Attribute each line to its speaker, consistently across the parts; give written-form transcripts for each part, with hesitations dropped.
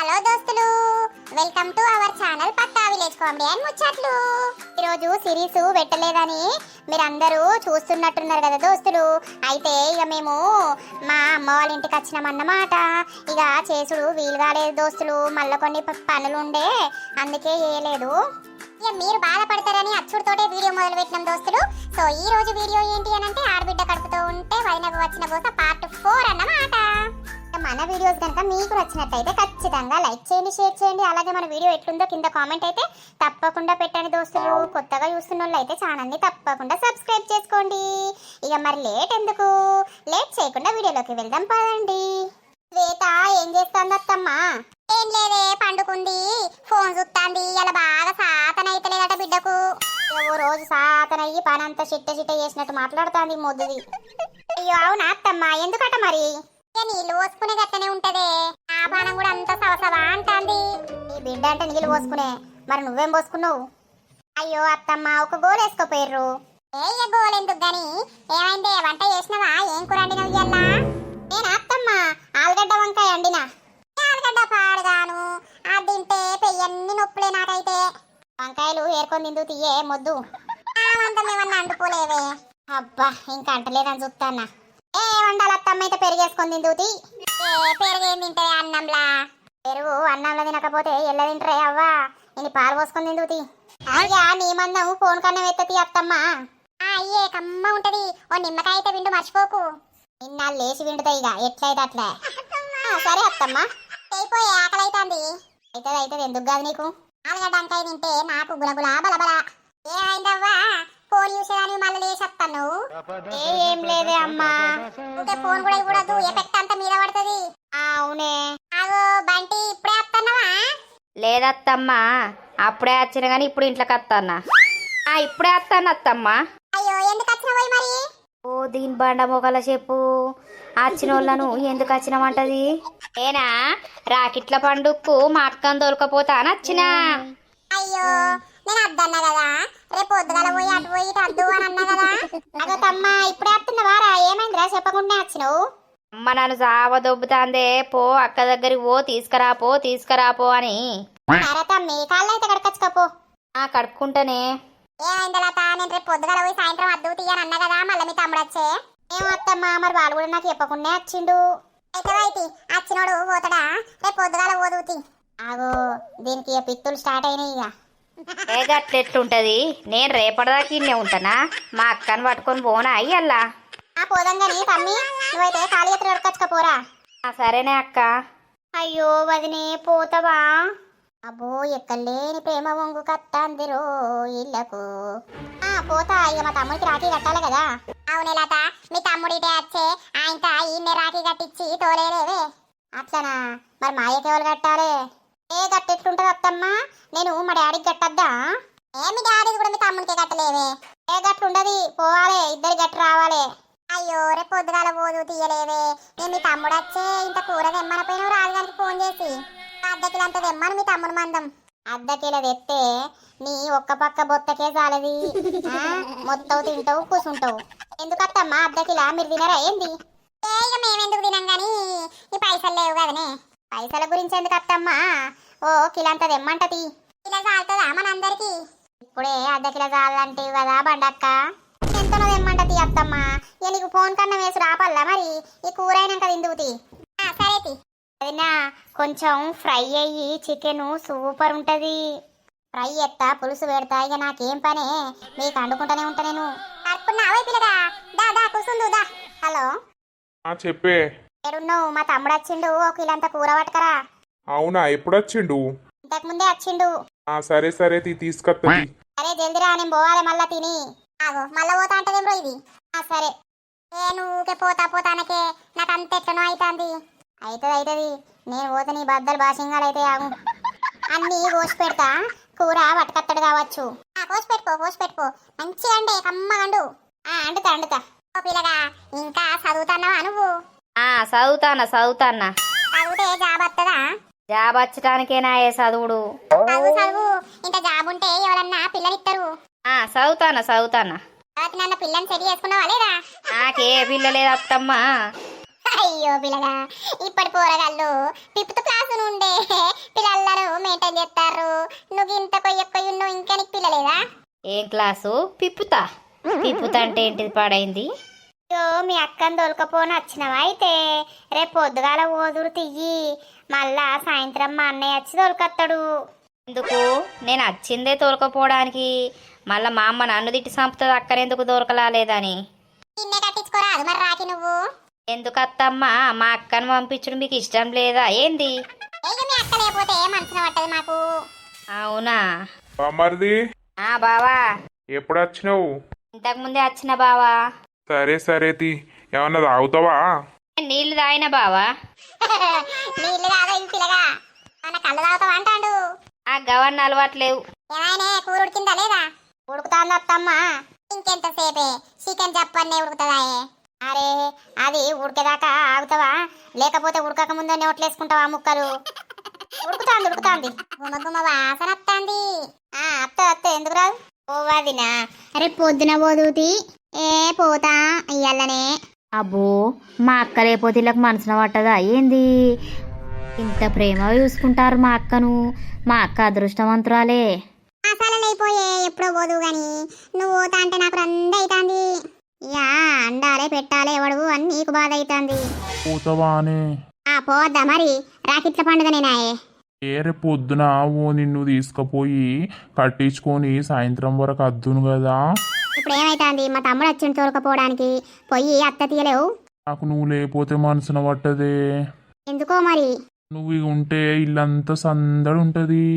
Speaker 1: Hello దోస్తులు, welcome to our channel Pakka village comedy and ముచ్చట్లు. ఈరోజు సిరీస్ పెట్టలేదని మీరందరూ చూస్తున్నట్టున్నారు కదా దోస్తులు. అయితే ఇక మేము మా అమ్మ వాళ్ళ ఇంటికి వచ్చినామన్నమాట. ఇక చేసుడు వీలు కాలేదు దోస్తులు, మళ్ళీ కొన్ని పనులు ఉండే, అందుకే చేయలేదు. ఇక మీరు బాధపడతారని అచ్చుడితోటే వీడియో మొదలు పెట్టినాం దోస్తులు. సో ఈ రోజు వీడియో ఏంటి అని అంటే ఆడబిడ్డ కడుపుతో ఉంటే వదినకు వచ్చిన బోస పార్ట్ 4 అన్నమాట. మన వీడియోస్ కనుక మీకు నచ్చినట్టయితే ఖచ్చితంగా లైక్ చేయండి, షేర్ చేయండి. అలాగే మన వీడియో ఎట్లుందో కింద కామెంట్ అయితే తప్పకుండా పెట్టండి దోస్తులు. కొత్తగా చూస్తున్న వాళ్ళు అయితే ఛానల్ని తప్పకుండా సబ్స్క్రైబ్ చేసుకోండి. ఇక మరి లేట్ చేయకుండా వీడియోలోకి వెళ్దాం పదండి. శ్వేత ఏం చేస్తుంది అత్తమ్మా? ఏం లేదే, పండుకుంది, ఫోన్ చూస్తాంది. ఇలా బాగా సాతన అయితలేదట బిడ్డకు. ఓ రోజు సాతనయ్యి పనంతా చిట్ట చేసినట్టు మాట్లాడుతుంది మొద్దుది. అయ్యో అవునా అత్తమ్మా, ఎందుకట మరి? నీళ్ళు పోసుకునే గట్టనే ఉంటదే, ఆ పానం కూడా అంత సవసవా అంటాంది. ఈ బిడ్డ అంటే నీళ్ళు పోసుకునే, మరి నువ్వేం పోసుకున్నావు? అయ్యో అత్తమ్మ, ఒక గోలు వేసుకోపోయారు. ఏ గోలు ఎందుకు గాని, ఏమైందే? వంట చేసినవా? ఏం కూర వండినవు ఇయ్యాల? నేను అత్తమ్మ ఆలుగడ్డ వంకాయ వండినా. ఆలుగడ్డ పాడుగాను, అది తింటే పెయ్యన్ని నొప్పులే నాకైతే. వంకాయలు ఏరుకొని తిందు తీయే మొద్దు. అంతం ఏమన్నా అంటుకోలేవే. అబ్బా, ఇంకా అంటలేదని చూస్తానా. ఏ వండాలి అత్తమ్మ, అయితే పెరిగేసుకొని తిందుతి. పెరుగేం తింటే అన్నంలా? పెరుగు అన్నంలో తినకపోతే ఎల్ల తింటరే అవ్వా. నేను పాలు పోసుకొని తిందుతి. అయ్యా నీ మందం ఫోన్ కన్నా ఎత్తతి అత్తమ్మ. అయ్యే కమ్మ ఉంటది, ఓ నిమ్మకాయ అయితే విండు మర్చిపోకు. నిన్న లేచి విండుతాయి ఇక ఎట్లయితే అట్లే. సరే అత్తమ్మ, అయిపోయి ఆకలి అవుతుంది. అయితే ఎందుకు కాదు నీకు? ఆలుగడ్డ వంకాయ తింటే నాకు గులగులా బలబల. ఏమైందవ్వా? ఫోన్ చూసేదాన్ని మళ్ళీ లేచేస్తాను. ఏం లేదే అమ్మా, ఫోన్ కూడా ఇవ్వడదు, ఎఫెక్ట్ అంతా మీద పడుతుంది. అవునే. అగో బంటి, ఇప్పుడే వస్తున్నావా?
Speaker 2: లేదత్తమ్మా, అప్పుడే వచ్చిన గానీ ఇప్పుడు ఇంట్లోకి వస్తానా. ఇప్పుడే వస్తాను అత్తమ్మ.
Speaker 1: అయ్యో ఎందుకు వచ్చినావు మరి?
Speaker 2: ఓ దీని బండ మొగల చెప్పు, వచ్చిన వాళ్ళను ఎందుకు వచ్చినామంటది. ఏనా రాకిట్ల పండుగకు మా అక్కను తోలుకపోతా నచ్చినా.
Speaker 1: అయ్యో నేను అద్దన్నా కదా, రేపు పొద్దుగల పోయి అటు పోయి అద్దు అని అన్నా కదా. అదో తమ్మ, ఇప్పుడే వస్తున్నావారా? ఏమైందిరా చెప్పకుండా వచ్చినావు?
Speaker 2: అమ్మ నన్ను సావ దొబ్బుతాందే, పో అక్క దగ్గరికి తీసుకురాపో అని.
Speaker 1: సరే తమ్మి, కాళ్ళు అయితే కడకచ్చుకోపో.
Speaker 2: కడుక్కుంటానే.
Speaker 1: ఏమైంది లత? నేను రేపు పొద్దుగల పోయి సాయంత్రం అద్దు తీయని అన్నా కదా, మళ్ళీ మీ తమ్ముడు వచ్చే. ఏమో అత్తమ్మా, మరి వాళ్ళు కూడా నాకు చెప్పకుండా వచ్చిండు. అయితే వచ్చినోడు పోతాడా? రేపు పొద్దుగాల పోదుతి. ఆగో దీనికి పిత్తులు స్టార్ట్ అయినాయి ఇక.
Speaker 2: ఏ గట్లెట్లుంటది? నేను రేపటిదాకా ఇన్నే ఉంటానా? మా అక్కను పట్టుకొని పోనా అయ్యల్లా.
Speaker 1: పోదంగాని తమ్మి, నువ్వైతే ఖాళీ ఎత్తులు ఎడకచ్చుకపోరా.
Speaker 2: సరేనే అక్క.
Speaker 1: అయ్యో వదినే, పోతావా? అబ్బో ఎక్కలేని ప్రేమ వంగు కత్తందిరో ఇళ్లకు. పోతా, ఇక మా తమ్ముడికి రాఖీ కట్టాలి కదా. అవునే లత, మీ తమ్ముడిటే వచ్చే, ఆయనక ఈయన్నే రాఖీ కట్టించి తోలేరేవే. అట్లనా? మరి మా అయ్యకి ఎవరు కట్టాలి? ఏ గట్టెట్లుంటది అత్తమ్మా? నేను మా డాడీకి కట్టద్దా? మీ డాడీకి కూడా మీ తమ్ముడికి కట్టలేవే. ఏ గట్లుండది, పోవాలి, ఇద్దరి గట్టు రావాలి. అయ్యో రేపు పొద్దుగాల పోదు తీయలేవే. నేను మీ తమ్ముడు వచ్చే ఇంత కూర తెమ్మనపోయినావు రాజుగారికి ఫోన్ చేసి. అద్దకిలంత తెమ్మను మీ తమ్ముడు మందం. అద్దకిల తెస్తే నీ ఒక్క పక్క బొత్తకే చాలది, మొత్తం తింటావు కూసుంటావు. ఎందుకత్తమ్మా అద్దకిలా? మీరు తినరా ఏంది? ఇక మేమెందుకు తినం గాని ఈ పైసలు లేవు కదనే. పైసల గురించి ఎందుకు అత్తమ్మా? ఓ కిలంత తెమ్మంటది. కిలో చాలుతుందా మనందరికి? ఇప్పుడే అద్దకిల చాలంటే కదా బండక్క. ఎంతనో తెమ్మంటది అత్తమ్మా. ఇక నీకు ఫోన్ కన్నా వేసి రాపల్లా మరి? ఈ కూర అయినాక తిందువుతి. సరేతి. అదినా కొంచెం ఫ్రై అయ్యి చికెన్ సూపర్ ఉంటది. ఫ్రై ఎత్తా, పులుసు పెడతా, ఇక నాకేం పనే, మీకు అండుకుంటానే ఉంటా నేను. కడుక్కున్నావే పిల్లగా? దా కూసుందుదా. హలో
Speaker 3: చెప్పే.
Speaker 1: ఏడున్నావు? మా తమ్ముడు వచ్చిండు, ఒక ఇల్లంతా కూర పట్టుకరా.
Speaker 3: అవునా, ఎప్పుడు వచ్చిండు?
Speaker 1: ఇంతకు ముందే వచ్చిండు.
Speaker 3: సరే తీసుకొస్తుంది.
Speaker 1: సరే జల్దిరా, నేను పోవాలి మళ్ళా తిని. ఆగో మళ్ళా పోతా అంటదేం రో ఇది. సరే. నువ్వుకే పోతానకే నాకు అంత ఎట్లనో అవుతుంది. అవుతుంది, నేను పోతే నీ బద్దలు బాసింగాలు అయితే. ఆగు, అన్నీ కోసి పెడతా, కూర పట్టుకత్తడు కావచ్చు. కోసి పెట్టుకో మంచిగా అండి, కమ్మగండు. అండుతా. ఓ పిల్లగా, ఇంకా చదువుతున్నావా నువ్వు?
Speaker 2: చదువుతానా.
Speaker 1: చదివితే జాబ్ వస్తుందా?
Speaker 2: జాబ్ వచ్చటానికేనా ఏ చదువుడు?
Speaker 1: చదువు. ఇంత జాబ్ ఉంటే ఎవరన్నా పిల్లలిస్తారు.
Speaker 2: చదువుతానా.
Speaker 1: నన్ను పిల్లని సెట్ చేసుకున్నావా లేదా?
Speaker 2: నాకే పిల్ల లేదు అత్తమ్మా.
Speaker 1: అయ్యో పిల్లగా, ఇప్పటి పోరగాళ్ళు 5th క్లాస్ నుండే
Speaker 2: ఏం క్లాసు? పిప్పుతా. పిప్పుతా అంటే ఏంటిది పాడైంది?
Speaker 1: అయ్యో మీ అక్కని దొరకపోని వచ్చినవా అయితే రేపు పొద్దుగాల ఓదురు తియ్యి మళ్ళా సాయంత్రం మా అన్నయ్య వచ్చి దొరకత్తాడు.
Speaker 2: ఎందుకు? నేను వచ్చిందే తోలుకపోవడానికి. మళ్ళా మా అమ్మ నన్ను తిట్టి చంపుతుంది అక్కడెందుకు దొరకలాలేదని.
Speaker 1: నిన్నే కట్టించుకోరాదు మరి రాకి నువ్వు.
Speaker 2: ఎందుకు అత్తమ్మా? మా అక్కను పంపించడం మీకు ఇష్టం లేదా ఏంది?
Speaker 1: ఇక మీ అక్క లేకపోతే మనసున పట్టదు మాకు.
Speaker 2: అవునా?
Speaker 3: బామ్మర్ది
Speaker 2: బావా,
Speaker 3: ఎప్పుడు వచ్చినావు?
Speaker 2: ఇంతకు ముందే వచ్చిన బావా.
Speaker 3: సరే సరే తీ, ఏమన్నా తాగుతావా?
Speaker 2: నీళ్లు తాగిన బావా.
Speaker 1: నీళ్ళు తాగా ఇది పిల్లగా మన కళ్ళు తాగుతావా అంటాడు.
Speaker 2: ఆ గవర్న అలవాట్లేవు.
Speaker 1: ఏమైనా కూర ఉడికిందా లేదా? ఉడుకుతాంది అత్తమ్మా. ఇంకెంతసేపే చికెన్ చెప్పన్నే ఉడుకుతుందాయే. అరే అది ఉడికేదాకా ఆగుతావా లేకపోతే ఉడకక ముందే నోట్లేసుకుంటావా ముక్కలు? ఉడుకుతాంది ఉడుకుతాంది, గుమ గుమ వాసన వస్తాంది. అత్త ఎందుకు రాదు? పోవాదినా రేపు పొద్దున పోదుతి. ఏ పోతా ఇయ్యాలనే.
Speaker 2: అబ్బో, మా అక్క లేకపోతే వీళ్ళకి మనసున పట్టదా ఏంది? ఇంత ప్రేమగా చూసుకుంటారు మా అక్కను. మా అక్క అదృష్టవంతురాలే.
Speaker 1: అసలు అయిపోయే ఎప్పుడో పోదు గాని నువ్వు పోతా అంటే నాకు రంద అవుతాంది. ఇక అండాలే పెట్టాలే ఎవడు అని నీకు బాధ అవుతుంది.
Speaker 3: పోతావా అని
Speaker 1: పోవద్దా మరి? రాకిట్ల పండుగ నేనాయే.
Speaker 3: రేపు పొద్దున ఓ నిన్ను తీసుకుపోయి కట్టించుకొని సాయంత్రం వరకు అద్దును కదా.
Speaker 1: ఇప్పుడు ఏమైతుంది? మా తమ్ముడు వచ్చిండు తోలుకపోవడానికి. పొయ్యి అత్త తీయలేవు.
Speaker 3: నాకు నువ్వు లేకపోతే మనసున పట్టదే.
Speaker 1: ఎందుకో మరి.
Speaker 3: నువ్వు ఇక ఉంటే ఇల్లంతా సందడి ఉంటుంది.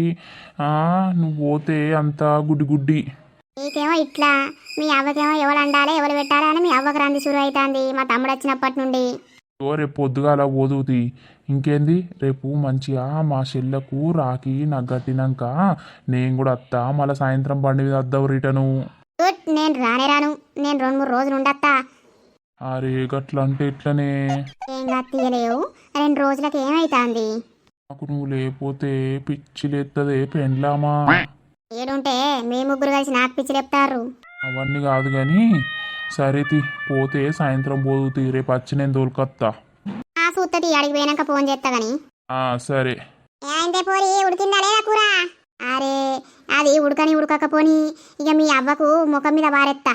Speaker 3: నువ్వు పోతే అంతా గుడ్డి గుడ్డి.
Speaker 1: నీకేమో ఇట్లా, మీ అవ్వకేమో ఎవరు అండాలి ఎవరు పెట్టాలి అని మీ అవ్వకు రంది షురు అవుతుంది మా తమ్ముడు వచ్చినప్పటి నుండి.
Speaker 3: రేపు పొద్దుగాల పోదుతి. ఇంకేంది, రేపు మంచిగా మా చెల్లకు రాకి నాకు కట్టినాక నేను కూడా వస్తా. మళ్ళీ సాయంత్రం బండి మీద వద్దావు రిటర్ను.
Speaker 1: గుడ్, నేను రాను. నేను 2-3 రోజులు ఉండత్తా.
Speaker 3: అరే గట్ల అంటే ఎట్లనే?
Speaker 1: ఏం తీయలేవు 2 రోజులకి ఏమైతుంది?
Speaker 3: నాకు నువ్వు లేకపోతే పిచ్చి లేత్తదే పెండ్లామా.
Speaker 1: ఏడుంటే మీ ముగ్గురు కలిసి నాకు పిచ్చి లేపుతారు.
Speaker 3: అవన్నీ కాదు కానీ సరేతి, పోతే సాయంత్రం పోదుతి. రేపు వచ్చి నేను తోలుకొత్తా.
Speaker 1: సూత్తది అడిగి పోయినాక ఫోన్ చేస్తా గాని.
Speaker 3: సరే.
Speaker 1: ఏమైందే పోరి, ఉడికిందా లేదా కూర? అరే అది ఉడకపోని ఇక మీ అవ్వకు ముఖం మీద బారెత్తా.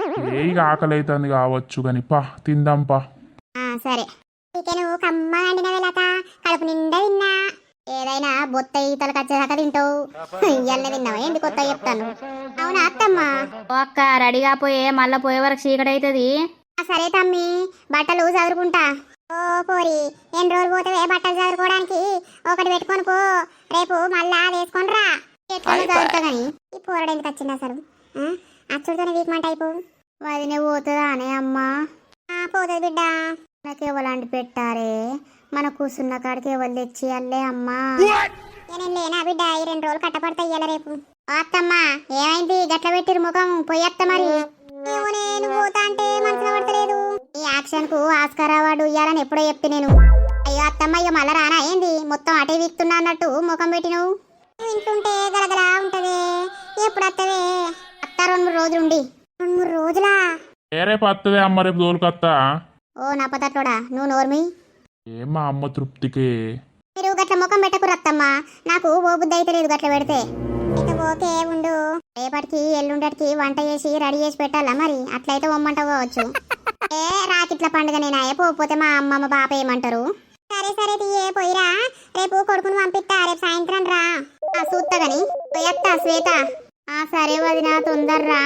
Speaker 3: ఇక ఆకలి అవుతుంది కావచ్చు కానీ పా తిందాం పా.
Speaker 1: సరే. చికెన్ కమ్మగా వండిన వెళ్ళక కడుపు నిండా తిన్నా. ఏదైనా బొత్త ఈతలకు వచ్చేదాకా తింటావు. ఇయ్యాలనే తిన్నావా ఏంటి కొత్త చెప్తాను? అవునా అత్తమ్మా?
Speaker 2: అక్క రెడీగా పోయే, మళ్ళా పోయే వరకు చీకటి అవుతుంది.
Speaker 1: సరే తమ్మి, బట్టలు చదువుకుంటా. ఓ పోరి, ఎన్ని రోజులు పోతావే బట్టలు చదువుకోవడానికి? ఒకటి పెట్టుకొని పో, రేపు మళ్ళా వేసుకొని రా. ఎట్లా చదువుతా గాని ఈ పోరడు ఎందుకు వచ్చింది అసలు? అచ్చుడితోనే వీక్మంట అయిపో. వదినే పోతుందా అనే అమ్మా? పోతుంది బిడ్డ. మనకి ఎవలాంటి పెట్టారే, మన కూర్చున్న కాడికి ఎవరు తెచ్చి అల్లే అమ్మా. నేను లేనా బిడ్డ, ఈ 2 రోజులు కట్టపడతా ఇయ్యాల రేపు. అత్తమ్మా ఏమైంది గట్ల పెట్టిరు ముఖం? పోయత్త మరి. నేను పోతా అంటే మనసులో పడతలేదు. ఈ యాక్షన్ కు ఆస్కార్ అవార్డు ఇయ్యాలని ఎప్పుడో చెప్తే నేను. అయ్యో అత్తమ్మ, అయ్యో మళ్ళా రానా ఏంది? మొత్తం అటే వీక్తున్నా అన్నట్టు ముఖం పెట్టి నువ్వు ఇంటుంటే గలగలా ఉంటది. ఎప్పుడు అత్తవే? అత్త 2-3 రోజులు ఉండి. 2-3 రోజులా?
Speaker 3: రేపు వస్తుంది అమ్మ, రేపు తోలుకొత్తా.
Speaker 1: ఓ నా పతట్లోడా, నువ్వు నోర్మి.
Speaker 3: మా అమ్మ తృప్తికే.
Speaker 1: మీరు గట్ల ముఖం పెట్టకురు అత్తమ్మ, నాకు ఓ బుద్ధి అయితే లేదు గట్ల పెడితే. అయితే ఓకే ఉండు, రేపటికి ఎల్లుండటికి వంట చేసి రెడీ చేసి పెట్టాలా మరి? అట్లయితే ఒమ్మంట పోవచ్చు. రాకిట్ల పండుగ నేనాయే, పోతే మా అమ్మమ్మ బాప ఏమంటారు? సరే తీయే పోయిరా, రేపు కొడుకుని పంపిస్తా. రేపు సాయంత్రం రా. చూస్తా గాని పోయత్తా శ్వేత. సరే వదినా తొందర్రా.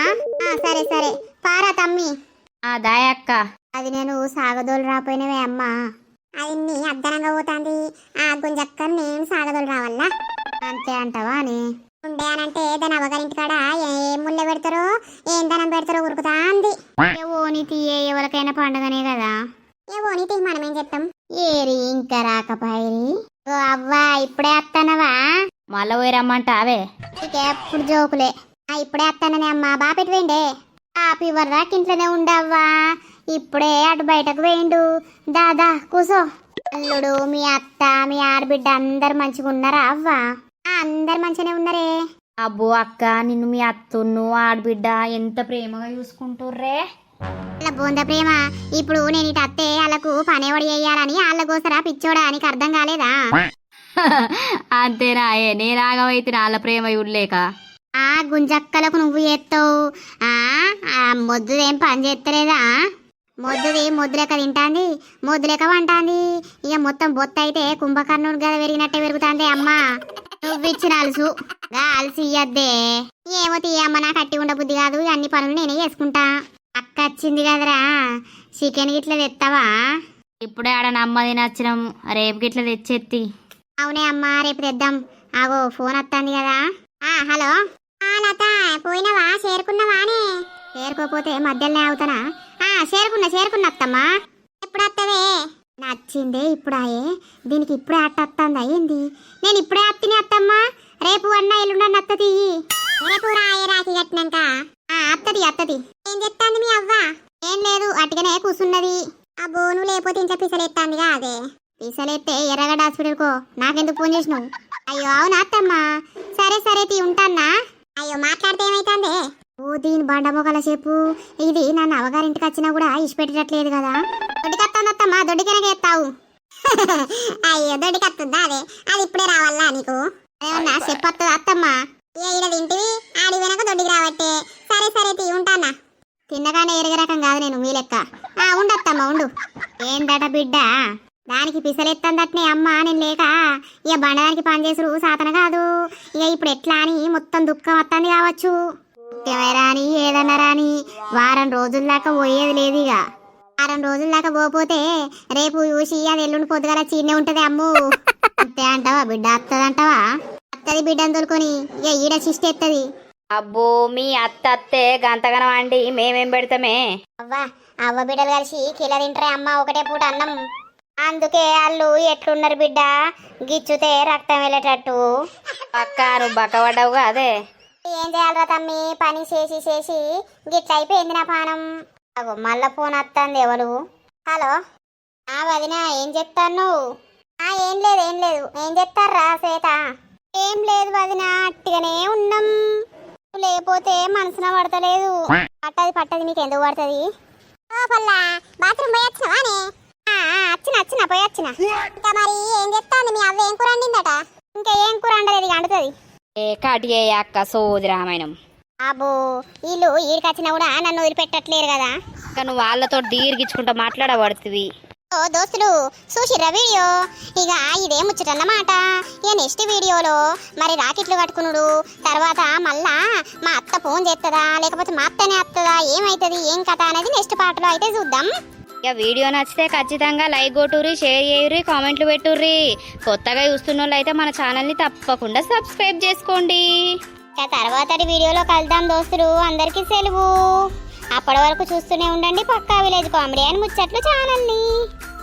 Speaker 1: సరే పారా తమ్మి.
Speaker 2: దాయక్క.
Speaker 1: అది నేను సాగదోలు రాపోయినవే అమ్మా. అది నీ అద్దనంగా పోతాంది. గుంజక్కని నేను సాగదోలు రావాలా? అంతే అంటావా అని ఉండే అనంటే దాని అవ్వగారింటి కాడ ఏం ముళ్ళ పెడతారో ఏం దనం పెడతారో ఉరుకుతా అంది. ఓనితి ఎవరికైనా పండుగనే కదా. ఓనితి మనమేం చెప్తాం? ఏరి ఇంకా రాకపోయి. అవ్వా ఇప్పుడే వస్తానవా?
Speaker 2: మళ్ళా పోయి రమ్మంటావే?
Speaker 1: ఎప్పుడు జోకులే. ఇప్పుడే వస్తాననే అమ్మా. బాపెట్టి వేయండే. ఇవ్వరు ఇంట్లోనే ఉండవ్వా. ఇప్పుడే అటు బయటకు వేయండు. దాదా కూసో. అల్లుడు, మీ అత్త, మీ ఆడబిడ్డ అందరు మంచిగా ఉన్నారా అవ్వా? అందరు మంచిగానే ఉన్నారే.
Speaker 2: అబ్బో అక్క, నిన్ను మీ అత్తును ఆడబిడ్డ ఎంత ప్రేమగా చూసుకుంటుర్రే.
Speaker 1: అలా బోంద ప్రేమ. ఇప్పుడు నేను ఇటు అత్తే వాళ్ళకు పనేవాడు చేయాలని వాళ్ళ కోసరా పిచ్చోడా? నీకు అర్థం కాలేదా?
Speaker 2: అంతేనా? నేనాగమైతే వాళ్ళ ప్రేమ ఇవ్వలేక.
Speaker 1: గుంజక్కలకు నువ్వు చేస్తావు మొద్దుదేం పని చేస్తలేదా మొద్దు లెక్క తింటాంది మొద్దు లెక్క వంటాంది ఇక మొత్తం బొత్త అయితే కుంభకర్ణుడు గద పెరిగినట్టే పెరుగుతాంది అమ్మా నువ్విచ్చిన అలుసు అలసి ఇయ్యద్దే ఏమో తీయమ్మ నాకు కట్టి ఉండ బుద్ధి కాదు అన్ని పనులు నేనే చేసుకుంటా అక్క వచ్చింది కదరా చికెన్ గిట్ల తెస్తావా
Speaker 2: ఇప్పుడే ఆడ నమ్మది నచ్చినాం రేపు గిట్ల తెచ్చేత్తి
Speaker 1: అవునే అమ్మా రేపు తెద్దాం ఆగో ఫోన్ వస్తుంది కదా హలో లత పోయినవా చేరుకున్నావానే చేరుకోపోతే మధ్యలోనే అవుతానా చేరుకున్నా అత్తమ్మా ఎప్పుడు వస్తావే నచ్చిందే ఇప్పుడాయే దీనికి ఇప్పుడే అట్టొస్తుందా ఏంది నేను ఇప్పుడే అత్తిని అత్తమ్మా రేపు అన్న ఎల్లుండన్న అత్త తీయి రేపు రాయే రాకి కట్టినాక అత్తది ఏం చెప్తాంది మీ అవ్వ ఏం లేదు అటుగానే కూర్చున్నది ఆ బోను లేకపోతే ఇంకా పిసలెత్తాందిగా అదే పిసలెత్తే ఎర్రగడ్డ హాస్పిటల్కో నాకెందుకు ఫోన్ చేసినావు అయ్యో అవునా అత్తమ్మా సరే తీ ఉంటానా అయ్యో మాట్లాడితే ఏమైతుందే ఓ దీని బండమొగల చెప్పు ఇది నన్ను అవగారింటికి వచ్చినా కూడా ఇష్టపెట్టట్లేదు కదా దొడ్డికత్తానత్తమ్మా దొడ్డికనగా ఎత్తావు అయ్యో దొడ్డికత్తుందా అదే అది ఇప్పుడే రావాలా నీకు ఏమన్నా చెప్పొస్తుంది అత్తమ్మా ఈడ తింటివి ఆడి వెనక దొడ్డికి రావట్టే సరే తీ ఉంటానా తిన్నగానే ఎరిగే రకం కాదు నేను మీ లెక్క ఉండత్తమ్మా ఉండు ఏందట బిడ్డ దానికి పిసలెత్తందట్నే అమ్మ నేను లేక ఇక బండదానికి పనిచేసుడు సాతన కాదు ఇక ఇప్పుడు ఎట్లా అని మొత్తం దుఃఖం వస్తుంది కావచ్చు రాని ఏదన్నా రాని వారం రోజుల దాకా పోయేది లేదు ఇక వారం రోజుల దాకా పోతే రేపు చూసి అది ఎల్లుండి పొద్దుగల చీనే ఉంటది అమ్ము అంతే అంటావా బిడ్డ అత్తదంటావా అత్తది బిడ్డను తోలుకొని ఇక ఈడ శిష్టి ఎత్తది
Speaker 2: అబ్బో మీ అత్తే గంతగనం అండి మేమేం పెడతామే
Speaker 1: అవ్వ బిడ్డలు కలిసి కిలో తింటారే అమ్మ ఒకటే పూట అన్నం అందుకే వాళ్ళు ఎట్లున్నారు బిడ్డ గిచ్చుతే రక్తం వెళ్ళేటట్టు
Speaker 2: పక్క నువ్వు బక్కబడ్డావుగా అదే
Speaker 1: ఏం చేయాలరా తమ్మి పని చేసి గిట్ల అయిపోయింది నా పానం అగో మళ్ళా ఫోన్ వస్తుంది ఎవరు హలో వదినా ఏం చెప్తాను ఏం లేదు ఏం చెప్తారా శ్వేత ఏం లేదు వదినా అట్టిగానే ఉన్నాం లేకపోతే మనసున పడతలేదు పట్టది నీకు ఎందుకు పడుతుంది పల్లా బాత్రూమ్ పోయి వచ్చినవానే వచ్చిన పోయి వచ్చిన ఇంకా మరి ఏం చెప్తాంది మీ అవ్వ ఏం కూర వండిందట ఇంకా ఏం కూర వండలేదు ఇక అంటుతుంది
Speaker 2: ఏ కాటియే అక్క సోది రామాయణం
Speaker 1: అబ్బో వీళ్ళు ఈడికొచ్చినా కూడా నన్ను వదిలిపెట్టట్లేరు కదా
Speaker 2: నువ్వు వాళ్ళతో దీర్ఘించుకుంటా మాట్లాడబడుతుంది
Speaker 1: ఓ దోస్తులు చూసిర్రా వీడియో ఇక ఇదే ముచ్చటన్నమాట ఇక నెక్స్ట్ వీడియోలో మరి రాకెట్లు కట్టుకునుడు తర్వాత మళ్ళా మా అత్త ఫోన్ చేస్తుందా లేకపోతే మా అత్తనే వస్తుందా ఏమవుతుంది ఏం కథ అనేది నెక్స్ట్ పార్ట్లో అయితే చూద్దాం
Speaker 2: ఇక వీడియో నచ్చితే ఖచ్చితంగా లైక్ కొట్టుర్రి షేర్ చేయుర్రి కామెంట్లు పెట్టుర్రి కొత్తగా చూస్తున్న వాళ్ళు అయితే మన ఛానల్ని తప్పకుండా సబ్స్క్రైబ్ చేసుకోండి
Speaker 1: ఇక తర్వాతటి వీడియోలో కలుద్దాం దోస్తులు అందరికీ సెలవు అప్పటి వరకు చూస్తూనే ఉండండి పక్కా విలేజ్ కామెడీ అండ్ ముచ్చట్లు ఛానల్ని